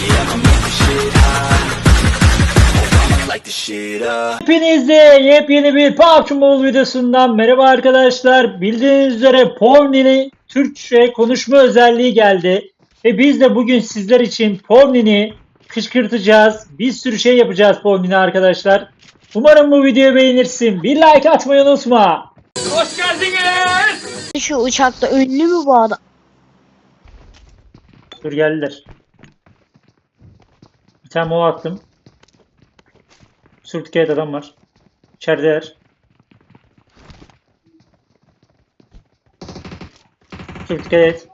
Yeah, I'ma make this shit hot. Oh, I'ma light this shit up. Hepinize yepyeni bir PUBG Mobile videosundan merhaba arkadaşlar. Bildiğiniz üzere Porni'nin Türkçe konuşma özelliği geldi. Ve biz de bugün sizler için Porni'ni kışkırtacağız. Bir sürü şey yapacağız Porni'ne arkadaşlar. Umarım bu videoyu beğenirsin. Bir like atmayı unutma. Hoş geldiniz. Şu uçakta ünlü mü bu adam? Dur geldiler. Bir tane mola attım. Sürtükeyet adam var. İçerideler. Sürtükeyet.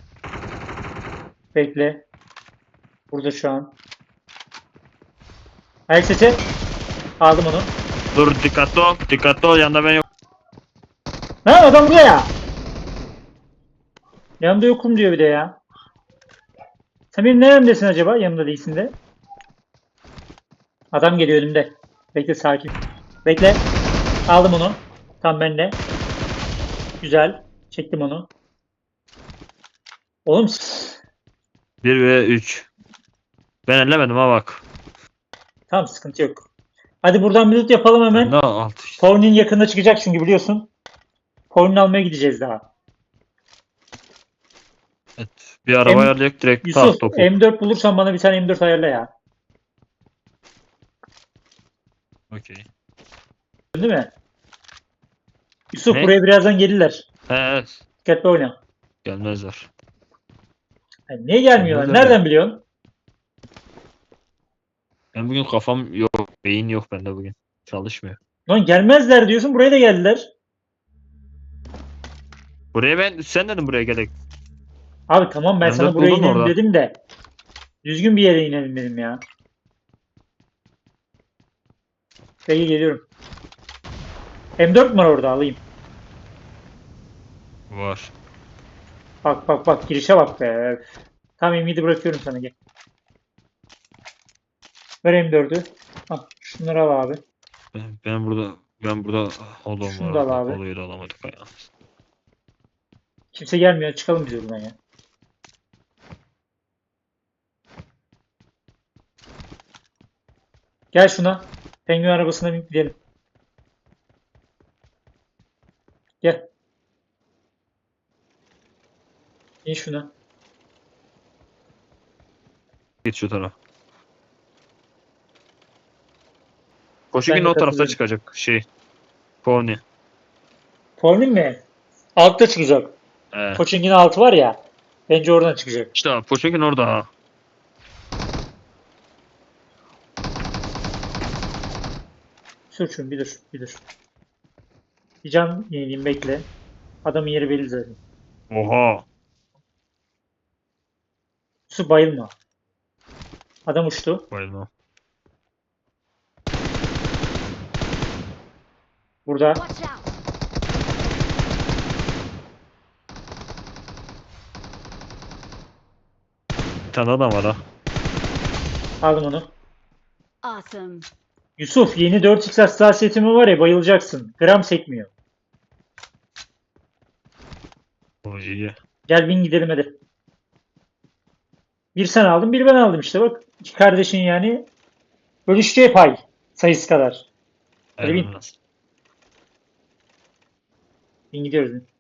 Bekle. Burada şu an. Ayak sesi. Aldım onu. Dur dikkatli ol. Dikkatli ol yanında ben yok. Lan adam burada ya. Yanımda yokum diyor bir de ya. Sen benim neremdesin acaba? Yanımda değilsin de. Adam geliyor önümde. Bekle sakin. Bekle. Aldım onu. Tam bende. Güzel. Çektim onu. Oğlum 1 ve 3. Ben ellemedim ha bak. tamam sıkıntı yok. Hadi buradan bir loot yapalım hemen. Ne alt işte. Porni'nin yakında çıkacak çünkü biliyorsun. Porni'ni almaya gideceğiz daha. Evet. Bir araba ayarlayacak direkt Yusuf tak topu. M4 bulursan bana bir tane M4 ayarla ya. Okey. Değil mi? Yusuf Ne? buraya birazdan gelirler. Evet. Dikkatli oyna. Gelmezler. Yani niye gelmiyorlar? Gelmezler Nereden mi? biliyorsun? Ben bugün kafam yok. Beyin yok bende bugün. Çalışmıyor. Lan gelmezler diyorsun buraya da geldiler. Buraya sen dedin buraya gerek. Abi tamam ben M4 sana buraya buldun mu inelim orada? dedim de. Düzgün bir yere inelim dedim ya. Peki geliyorum. M4 mi var orada alayım. Var. Bak bak bak girişe bak be. Tamam M7 bırakıyorum sana gel. Ver M4'ü. Al şunları al abi. Ben burada holom Şunu var. da al abi. Holoyu da alamadık ya. Kimse gelmiyor çıkalım biz buradan ya. Gel şuna. Penguen arabasına binip gidelim. Gel. İn şuna. Git şu tarafa. Koşu Ben gün de o tarafta katılıyorum. çıkacak şey. Pony. Pornin mi? Altta çıkacak. Koçing'in altı var ya. Bence oradan çıkacak. İşte Poçinkin orada ha. Sür şunu bir dur. Bir dur. Bir can yenileyim bekle. Adamın yeri belli zaten. Oha. Su bayılma. Adam uçtu. Bayılma. Burada. Watch out. Bir tane adam var ha. Aldım onu. Awesome. Yusuf yeni 4x hassasiyetimi var ya bayılacaksın. Gram sekmiyor. O iyi. Gel bin gidelim hadi. Bir sen aldın bir ben aldım işte bak. İki kardeşin yani. Bölüşeceği pay sayısı kadar. Hadi bin. Elmas. Bin gidiyoruz. Bin.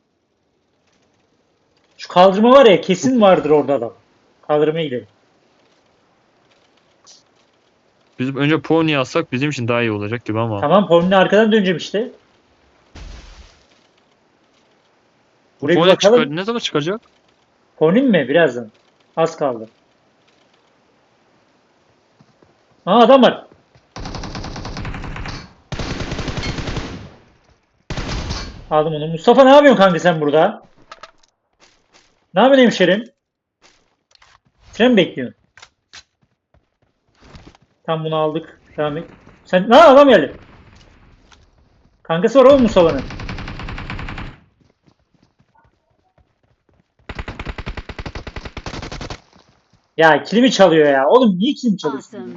Şu kaldırma var ya kesin vardır orada adam. Kaldırmaya gidelim. Biz önce Pony alsak bizim için daha iyi olacak gibi ama. Tamam Pornin'le arkadan döneceğim işte. Buraya bir Pony bakalım. ne zaman çıkacak? Pornin mi? Birazdan. Az kaldı. Aa adam var. Aldım onu. Mustafa ne yapıyorsun kanka sen burada? Ne yapıyorsun hemşerim? Sen mi bekliyorsun? Tam bunu aldık. Devam et. Sen ne adam geldi. Kankası var oğlum Mustafa'nın. Ya kilimi çalıyor ya. Oğlum niye kilimi çalıyorsun? Awesome.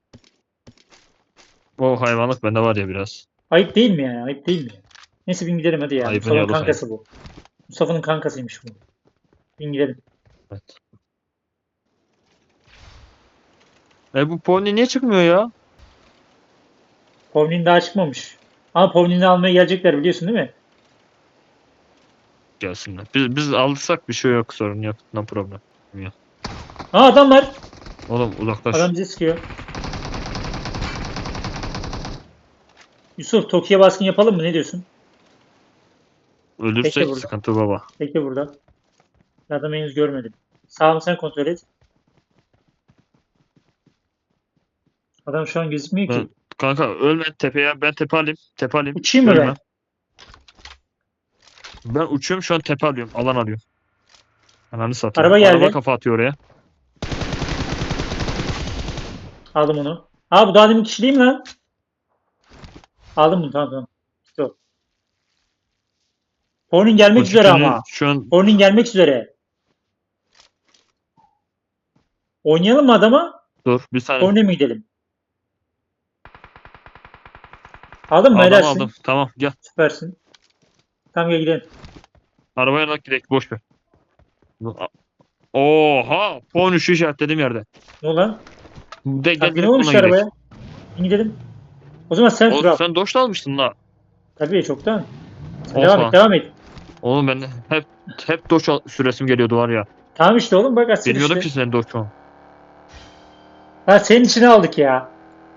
O hayvanlık bende var ya biraz. Ayıp değil mi ya? Ayıp değil mi? Neyse bin gidelim hadi ya. Ayıpın Mustafa'nın yolu kankası bu. Mustafa'nın kankasıymış bu. Bin gidelim. Evet. Bu pony niye çıkmıyor ya? Povnin daha çıkmamış. Ama Povnin'i almaya gelecekler biliyorsun değil mi? Gelsinler. Biz alırsak bir şey yok, sorun yok. No problem. Ya. Aa adam var. Oğlum uzaklaş. Adam bizi sıkıyor. Yusuf Tokyo'ya baskın yapalım mı? Ne diyorsun? Bekle Ölürsek burada. sıkıntı baba. Bekle burada. Adamı henüz görmedim. Sağ sen kontrol et. Adam şu an gözükmüyor Ben, ki. kanka ölme tepeye. Ben tepe alayım. Tepe alayım. Uçayım mı Ölme. ben? Ben uçuyorum şu an, tepe alıyorum. Alan alıyorum. Ananı satayım. Araba geldi. Araba kafa atıyor oraya. Aldım onu. Aa bu daha demin kişi değil mi lan? Aldım bunu tamam. Yok. Pornin gelmek O üzere tütünü ama. şu an Pornin gelmek üzere. Oynayalım mı adama? dur bir saniye. Pornin'e mi gidelim? Aldın mı? Aldım Helalsin. aldım. Tamam gel. Süpersin. Tamam gel gidelim. Arabaya bak, gidelim, boş ver. Oha! Puan 3'ü işaretlediğim yerde. Ne oldu lan? Gel Bak, ne direkt olmuş bununla gidelim. arabaya? Gidelim. O zaman sen sür Oğlum al. sen Dodge'da almıştın la. Tabii çoktan. Sen Oha. devam et devam et. Oğlum ben hep Dodge süresim geliyordu var ya. Tamam işte oğlum bak asil Bilmiyordum işte. ki senin Dodge o. Ha senin içine aldık ya.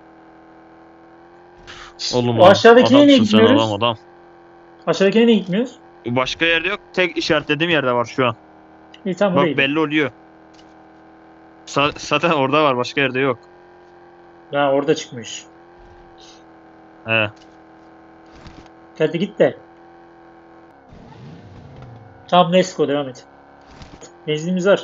Oğlum O aşağıdakine niye adamsın sen, gitmiyoruz? adam. Aşağıdakine niye gitmiyoruz? Başka yerde yok. Tek işaretlediğim yerde var şu an. İyi tamam oraya Bak gidelim. belli oluyor. Zaten orada var. Başka yerde yok. Ha orada çıkmış. He. Hadi git de. Tamam Nesko devam et. Benzinimiz var.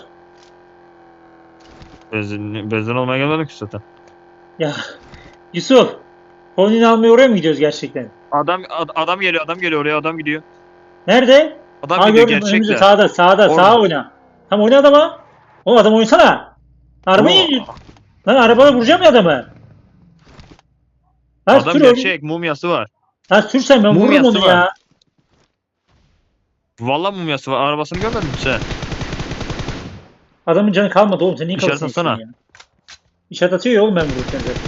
Benzin olmaya gelmedik ki zaten. Ya Yusuf. Pornin'i almaya oraya mı gidiyoruz gerçekten? Adam geliyor. Adam geliyor oraya. Adam gidiyor. Nerede? Adam Ha gidiyor gördüm önümüzde gerçekten. sağda Orada. sağa oyna. Tam oyna adama. Oğlum adam oynasana. Arabayı lan arabaya vuracağım ya adamı. Lan Adam sür gerçek. Mumyası var. Lan sürsen ben vururum Mumyası onu var. ya. Vallahi mumyası var. Arabasını görmedin mi sen? Adamın canı kalmadı oğlum sen niye İşaret kafasını atsana. yiyorsun ya? İşaret atıyor ya oğlum ben vururken zaten.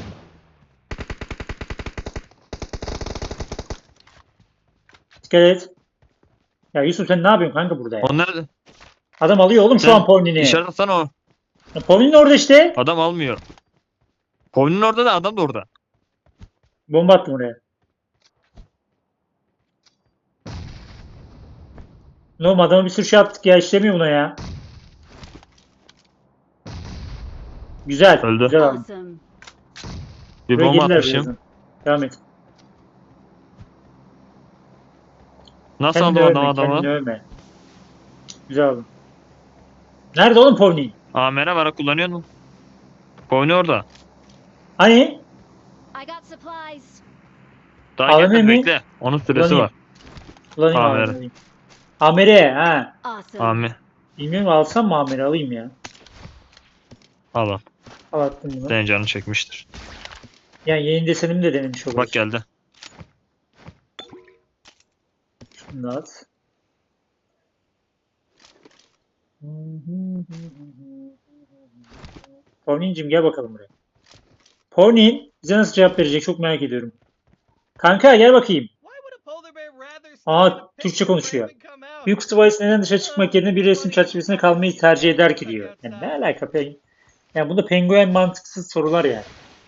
Dikkat et. Ya Yusuf sen ne yapıyorsun kanka burada ya? O nerede? Adam alıyor oğlum şu Sen an Pornin'i. İşaret atsana o. Pornin orada işte. Adam almıyor. Kovunun orada da adam da orada. Bomba attım oraya. Ne oğlum adama bir sürü şey attık ya işlemiyor buna ya. Güzel. Öldü. Güzel abi. Awesome. Bir Buraya bomba gelirler atmışım. birazdan. Devam et. Nasıl Kendini aldım övme, adamı? kendini övme. Güzel oldu. Nerede oğlum Pornin? Merhaba, ara kullanıyor musun? Kovunu orada. Hani? I got supplies. Daha AVM gelmedi, mi? bekle. Onun süresi Kullanayım. var. Kullanayım Amer. abi. Amer'e ha. Awesome. Ami. Bilmiyorum alsam mı Amer'i alayım ya. Al al. Al attım bunu. Senin canını çekmiştir. Yani yeni desenimi de denemiş oluruz. Bak geldi. Şunu da at. Pornin'cim gel bakalım buraya. Pornin bize nasıl cevap verecek çok merak ediyorum. Kanka gel bakayım. Aa Türkçe konuşuyor. Büyük kutu bahis neden dışarı çıkmak yerine bir resim çerçevesinde kalmayı tercih eder ki diyor. Yani ne alaka peng? Yani bu da penguen mantıksız sorular yani.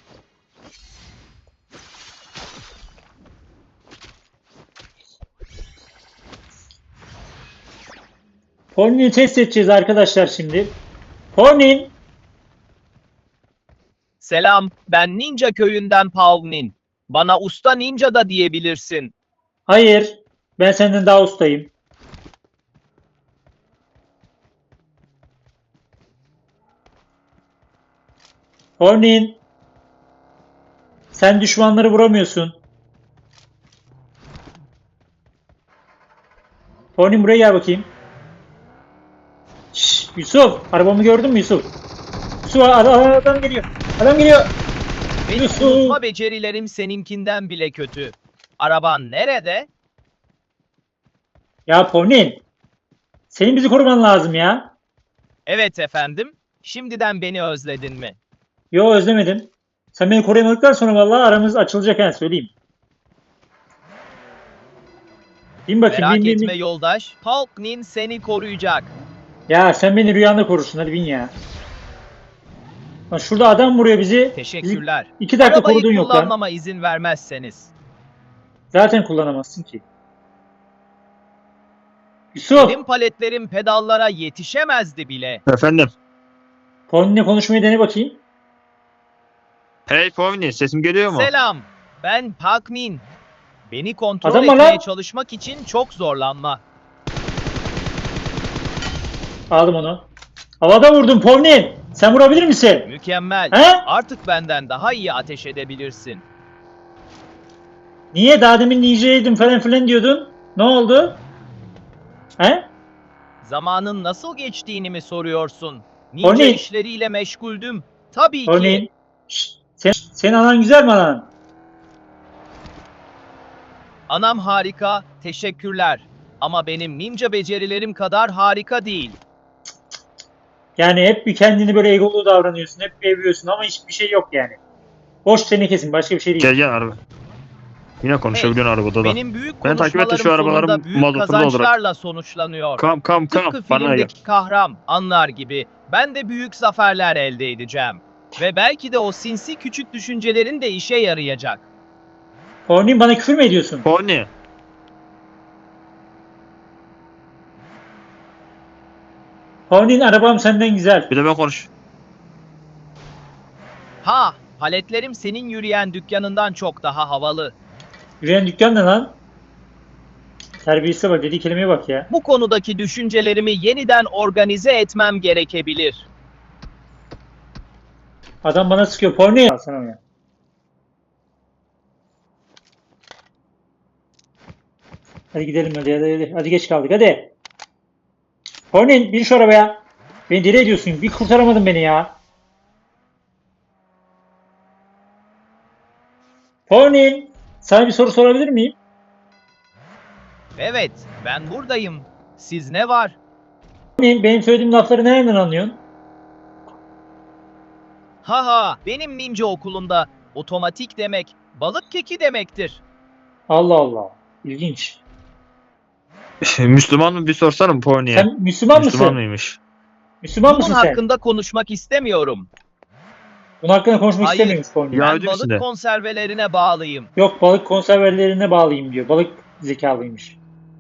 Pornin'i test edeceğiz arkadaşlar şimdi. Pornin! Selam, ben Ninja köyünden Pavnin. Bana usta ninja da diyebilirsin. Hayır. Ben senden daha ustayım. Pornin! Sen düşmanları vuramıyorsun. Pornin buraya gel bakayım. Şşş, Yusuf! Arabamı gördün mü Yusuf? Yusuf adam geliyor. Adam geliyor. Benim Yusuf! unutma becerilerim seninkinden bile kötü. Araban nerede? Ya Pornin! Senin bizi koruman lazım ya. Evet efendim. Şimdiden beni özledin mi? Yo, özlemedim. Sen beni koruyamadıktan sonra vallahi aramız açılacak, yani söyleyeyim. Bin bakayım, Merak bin bin etme bin. yoldaş. Palknin seni koruyacak. Ya sen beni rüyanda korursun, hadi bin ya. Lan şurada adam vuruyor bizi. Teşekkürler. 2 dakika Arabayı korudun yok lan. kullanmama izin vermezseniz. Zaten kullanamazsın ki. Yusuf, Benim paletlerim pedallara yetişemezdi bile. Efendim. Pony'le konuşmayı dene bakayım. Hey Povni, sesim geliyor mu? Selam. Ben Palknin. Beni kontrol Adam var etmeye lan. çalışmak için çok zorlanma. Aldım onu. Havada vurdum Pony. Sen vurabilir misin? Mükemmel. He? Artık benden daha iyi ateş edebilirsin. Niye? Daha demin ninja'ydım falan filan diyordun. Ne oldu? He? Zamanın nasıl geçtiğini mi soruyorsun? Ninja Pony. işleriyle meşguldüm. Tabii Pony. ki. Şşt, senin anan güzel mi anan? Anam harika, teşekkürler. Ama benim ninja becerilerim kadar harika değil. Yani hep bir kendini böyle egolu davranıyorsun. Hep bir övüyorsun ama hiçbir şey yok yani. Boş tenekesin, başka bir şey değil. Gel gel araba. Yine konuşabiliyorsun arabada da. Benim büyük Ben takip ettim, şu konuşmalarım arabaların sonunda büyük mazotunu doldurarak. kazançlarla sonuçlanıyor. Kam. Tıpkı Bana gel. filmdeki kahraman anlar gibi ben de büyük zaferler elde edeceğim. Ve belki de o sinsi küçük düşüncelerin de işe yarayacak. Pony, bana küfür mü ediyorsun? Povni. Pony'nin arabam senden güzel. Bir de ben konuş. Ha, paletlerim senin yürüyen dükkanından çok daha havalı. Yürüyen dükkan ne lan? Terbiyesize bak, dediği kelimeye bak ya. Bu konudaki düşüncelerimi yeniden organize etmem gerekebilir. Adam bana sıkıyor. Pony. Al sana ya. Hadi gidelim hadi. Hadi geç kaldık hadi. Pony, bin şu arabaya. Beni deli ediyorsun. Bir kurtaramadın beni ya. Pony, sana bir soru sorabilir miyim? Evet, ben buradayım. Siz ne var? Pony, benim söylediğim lafları nereden anlıyorsun? Haha, benim ninja okulunda otomatik demek balık keki demektir. Allah Allah. İlginç. Müslüman mı bir sorsana Povni'ye. Sen Müslüman mısın? Müslüman mıymış? Müslüman Bunun mısın sen? hakkında konuşmak istemiyorum. Bunun hakkında konuşmak Hayır. istemiyormuş Pony. Ya- Ben Yahudi misin balık de? konservelerine bağlıyım. Yok, balık konservelerine bağlıyım diyor. Balık zekalıymış.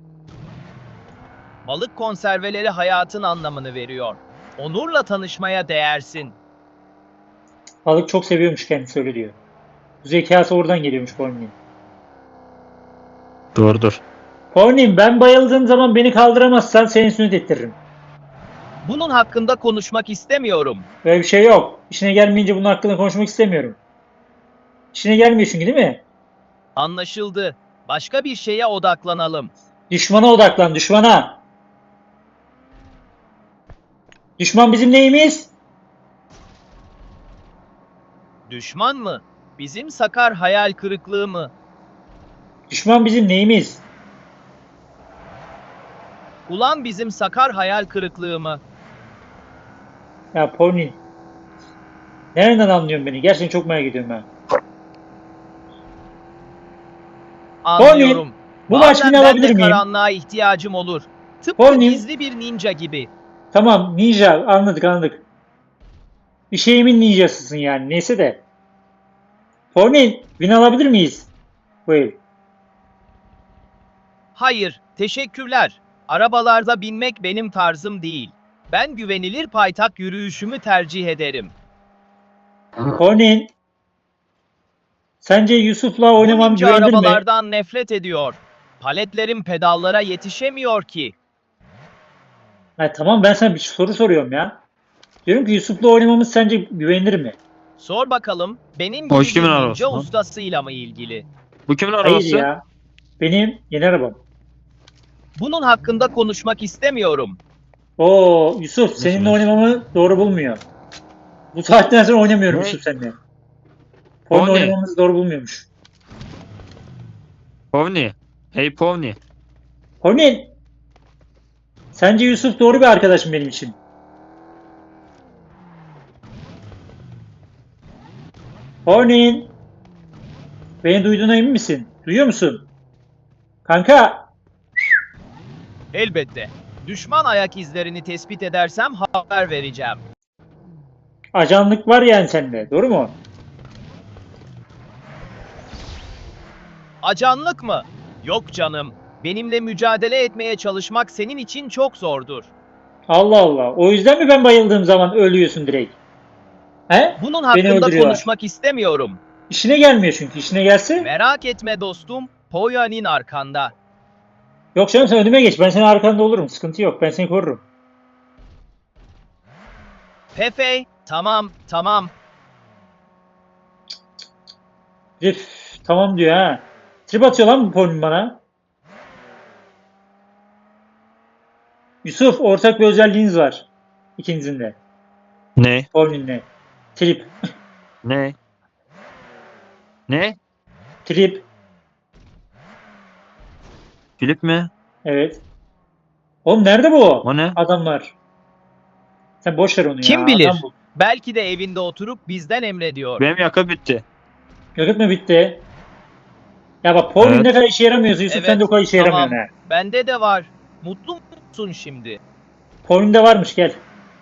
Balık konserveleri hayatın anlamını veriyor. Onurla tanışmaya değersin. Balık çok seviyormuş, kendisi öyle diyor. Bu zekası oradan geliyormuş Pony'nin. Doğrudur. Pony, ben bayıldığım zaman beni kaldıramazsan seni sünnet ettiririm. Bunun hakkında konuşmak istemiyorum. Böyle bir şey yok. İşine gelmeyince bunun hakkında konuşmak istemiyorum. İşine gelmiyor çünkü, değil mi? Anlaşıldı. Başka bir şeye odaklanalım. Düşmana odaklan, düşmana. Düşman bizim neyimiz? Düşman mı? Bizim sakar hayal kırıklığı mı? Düşman bizim neyimiz? Ulan bizim sakar hayal kırıklığı mı? Ya Pony. Nereden anlıyorsun beni? Gerçekten çok merak ediyorum ben. Anlıyorum. Bu Bazen maç beni ben de alabilir miyim? karanlığa ihtiyacım olur. Tıpkı Pony. gizli bir ninja gibi. Tamam, ninja, anladık. Bir şeyimin ninjasısın yani, neyse de. Pony, win alabilir miyiz? Buyur. Hayır, teşekkürler. Arabalarda binmek benim tarzım değil. Ben güvenilir paytak yürüyüşümü tercih ederim. Pony. Sence Yusuf'la Bu oynamam ninja güvenilir mi? arabalardan nefret ediyor. Paletlerim pedallara yetişemiyor ki. Ha, tamam, ben sana bir soru soruyorum ya. Diyorum ki Yusuf'la oynamamız sence güvenilir mi? Sor bakalım, benim Hoş gibi bir kimin ninja arabası lan? ustasıyla mı ilgili? Bu kimin Hayır arabası? ya. Benim yeni arabam. Bunun hakkında konuşmak istemiyorum. Oo Yusuf, seninle Nasıl? oynamamı doğru bulmuyor. Bu saatten sonra oynamıyorum Ne? Yusuf seninle. Onunla O ne? oynamamızı doğru bulmuyormuş. Povni. Hey Povni. Pony. Sence Yusuf doğru bir arkadaşım benim için? Pony'nin. Beni duyduğuna emin misin? Duyuyor musun? Kanka. Elbette. Düşman ayak izlerini tespit edersem haber vereceğim. Ajanlık var yani sende. Doğru mu? Acanlık mı? Yok canım. Benimle mücadele etmeye çalışmak senin için çok zordur. Allah Allah. O yüzden mi ben bayıldığım zaman ölüyorsun direkt? He? Bunun Beni hakkında öldürüyorlar. konuşmak istemiyorum. İşine gelmiyor çünkü. İşine gelse. Merak etme dostum. Poya'nın arkanda. Yok canım sen önüme geç. Ben senin arkanda olurum. Sıkıntı yok. Ben seni korurum. Pepe, tamam, tamam. Üf, tamam diyor ha. Trip atıyor lan bu Pony bana. Yusuf ortak bir özelliğiniz var. İkinizin de. Ne? Pony'ninle. Trip. Ne? Ne? Trip. Filip mi? Evet. Oğlum nerede bu O ne? adamlar? Sen boş ver onu ya. Kim bilir? Adam bu. Belki de evinde oturup bizden emrediyor. Benim yakıt bitti. Yakıt mı bitti? Ya bak Pony Evet. ne kadar işe yaramıyorsa Yusuf Evet, sen de o kadar işe tamam. yaramıyorsun ha. Bende de var. Mutlu musun şimdi? Pony'de varmış gel.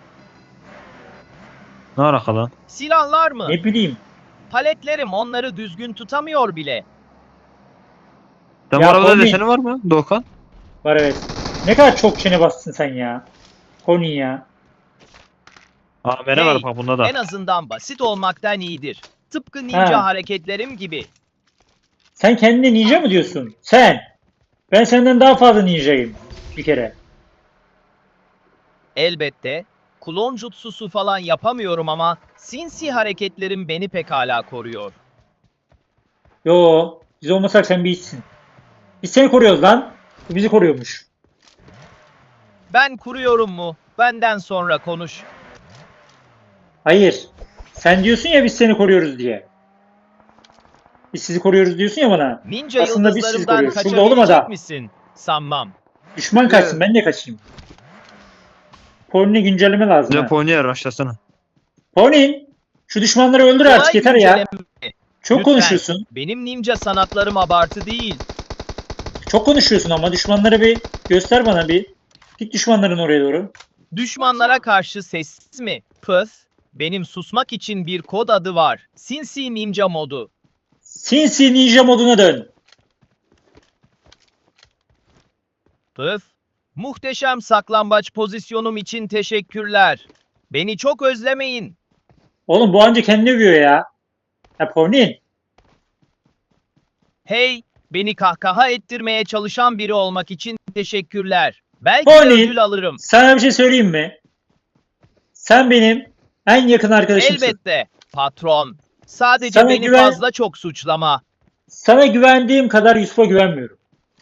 Ne alaka lan? Silahlar mı? Ne bileyim. Paletlerim onları düzgün tutamıyor bile. Sen Ya bu arabada Pony- deseni var mı Doğukan? Var evet. Ne kadar çok çene bastın sen ya. Pony ya. Aa mene Hey, var bak bunda da. En azından basit olmaktan iyidir. Tıpkı ninja Ha. hareketlerim gibi. Sen kendine ninja mı diyorsun? Sen. Ben senden daha fazla ninjayım. Bir kere. Elbette. Klon jutsusu falan yapamıyorum ama sinsi hareketlerim beni pekala koruyor. Yo. Biz olmasak sen bir hiçsin. Biz seni koruyoruz lan. Bu bizi koruyormuş. Ben kuruyorum mu? Benden sonra konuş. Hayır. Sen diyorsun ya biz seni koruyoruz diye. Biz sizi koruyoruz diyorsun ya bana. Ninja Aslında biz sizi yıldızlarımdan koruyoruz. Şurada oğlum adam. kaçabilecek misin? Sanmam. Düşman kaçsın ben de kaçayım. Pony'ne güncelleme lazım Bir de ha. Pony'e araçlasana. Pony. Şu düşmanları öldür artık Kolay yeter ya. güncelleme. Çok Lütfen. konuşuyorsun. Benim ninja sanatlarım abartı değil. Çok konuşuyorsun ama düşmanları bir göster bana bir. Git düşmanların oraya doğru. Düşmanlara karşı sessiz mi? Pıs. Benim susmak için bir kod adı var. Sinsi Ninja modu. Sinsi ninja moduna dön. Pıs. Muhteşem saklambaç pozisyonum için teşekkürler. Beni çok özlemeyin. Oğlum bu anca kendini övüyor ya. Ya Pony. Hey, beni kahkaha ettirmeye çalışan biri olmak için teşekkürler. Belki Pony. de ödül alırım. Sana bir şey söyleyeyim mi? Sen benim en yakın arkadaşımsın. Elbette patron. Sadece Sana beni güven- fazla çok suçlama. Sana güvendiğim kadar Yusuf'a güvenmiyorum.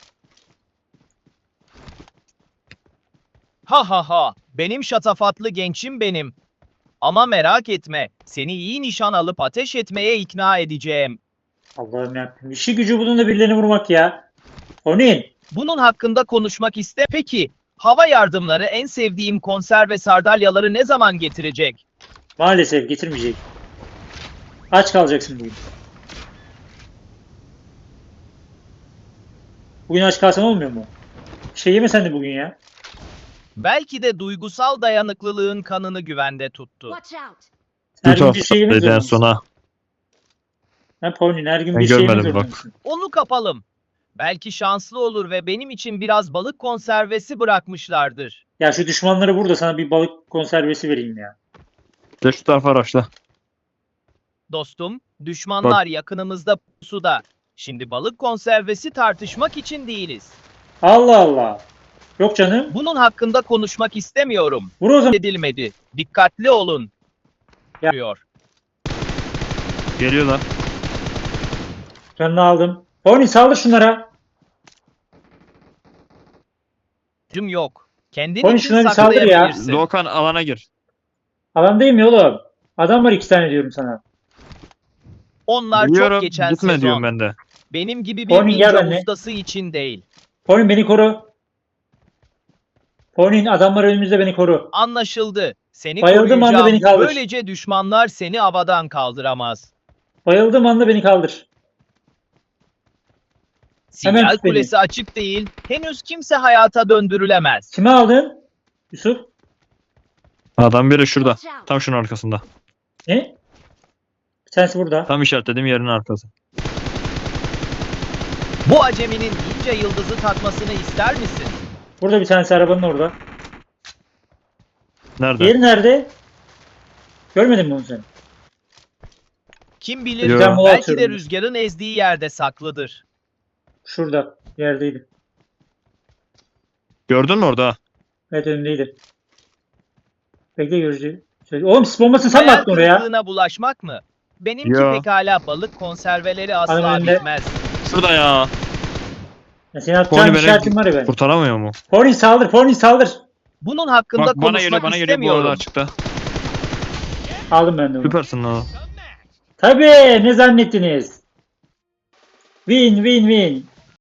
Ha ha ha. Benim şatafatlı gençim benim. Ama merak etme. Seni iyi nişan alıp ateş etmeye ikna edeceğim. Allah'ım yarabbim. İşi gücü bunun da birilerini vurmak ya. Pony. Bunun hakkında konuşmak iste. Peki, hava yardımları en sevdiğim konserve sardalyaları ne zaman getirecek? Maalesef getirmeyecek. Aç kalacaksın bugün. Bugün aç kalsan olmuyor mu? Bir şey yeme sen de bugün ya. Belki de duygusal dayanıklılığın kanını güvende tuttu. Watch out. Her gün bir şey yemek Beden zorundasın. sona. Ha Pony her gün Ben bir şey yemek görmedim bak. zorundasın. Onu kapalım. Belki şanslı olur ve benim için biraz balık konservesi bırakmışlardır. Ya şu düşmanları burada sana bir balık konservesi vereyim ya. Gel şu tarafa araçla. Dostum, düşmanlar yakınımızda pusuda. Şimdi balık konservesi tartışmak için değiliz. Allah Allah. Yok canım. Bunun hakkında konuşmak istemiyorum. Vur o zaman. Edilmedi. Dikkatli olun. Ya. Diyor. Geliyorlar. Canını aldım. Pony saldır şunlara. Cüm yok. Kendin Oğlum için şuna bir saldır ya. saklayabilirsin. Doğukan alana gir. Alandayım ya oğlum. Adam var 2 tane diyorum sana. Onlar Biliyorum. çok geçen Gitme sezon. diyorum ben de. Benim gibi bir Pony, gel ninja benimle. ustası için değil. Pony beni koru. Pony adamlar önümüzde beni koru. Anlaşıldı. Seni Bayıldım anda koruyacağım. beni kaldır. Böylece düşmanlar seni havadan kaldıramaz. Bayıldığım anda beni kaldır. Hemen Sinyal tut beni. kulesi açık değil. Henüz kimse hayata döndürülemez. Kime aldın? Yusuf? Adam biri şurada. Watch out. Tam şunun arkasında. Ne? Bir tanesi burada. Tam işaretlediğim yerin arkası. Bu aceminin ninja yıldızı takmasını ister misin? Burada bir tanesi arabanın orada. Nerede? Diğeri nerede? Görmedin mi onu sen? Kim bilir Yo. Ben mola belki de atıyorum. rüzgarın ezdiği yerde saklıdır. Şurada. Yerdeydi. Gördün mü orada? Evet önündeydi. Bekle görücü. Oğlum sis bombasını sen mi Hayal attın oraya? kırıklığına bulaşmak mı? Benimki Yo. pekala balık konserveleri asla Adam önünde. bitmez. Şurada ya. Ya senin atacağın Pony işaretin var ya beni ben. kurtaramıyor mu? Pony saldır, Pony saldır. Bunun hakkında Bak bana geliyor konuşmak bana geliyor bu arada istemiyorum. açıkta. Aldım ben de onu. Süpersin lan. Tabii ne zannettiniz? Win win win.